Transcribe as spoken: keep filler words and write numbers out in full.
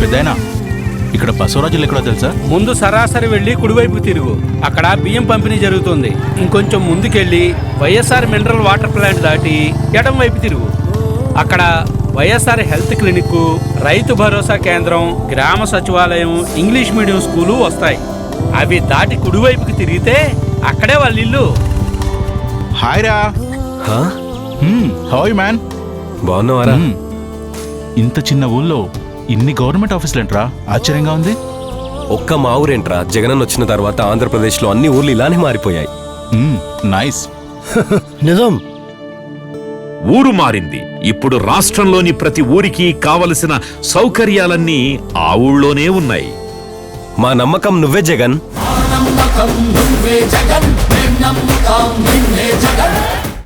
పెద్దయినా ఇక్కడ బసవరాజులు ఎక్కడో తెలుసా? ముందు సరాసరి వెళ్ళి కుడివైపు తిరుగు, అక్కడ బియ్యం పంపిణీ జరుగుతుంది. ఇంకొంచెం ముందుకెళ్ళి వైఎస్ఆర్ మినరల్ వాటర్ ప్లాంట్ దాటి ఎడం వైపు తిరుగు, అక్కడ వైఎస్ఆర్ హెల్త్ క్లినిక్, రైతు భరోసా కేంద్రం, గ్రామ సచివాలయం, ఇంగ్లీష్ మీడియం స్కూలు వస్తాయి. అవి దాటి కుడివైపుకి తిరిగితే అక్కడే వాళ్ళ ఇల్లు. హాయ్ రా. Hi man. బాగున్నావారా? ఇంత చిన్న ఊళ్ళో ఇన్ని గవర్నమెంట్ ఆఫీసులు ఏంట్రా, ఆశ్చర్యంగా ఉంది. ఒక్క మా ఊరేంట్రా, జగనన్న వచ్చిన తర్వాత ఆంధ్రప్రదేశ్లో అన్ని ఊర్లు ఇలానే మారిపోయాయి. నైస్. నిజం. ఊరు మారింది. ఇప్పుడు రాష్ట్రంలోని ప్రతి ఊరికి కావలసిన సౌకర్యాలన్నీ ఆ ఊళ్ళోనే ఉన్నాయి. మా నమ్మకం నువ్వే జగన్. నమ్మకం నువ్వే జగన్.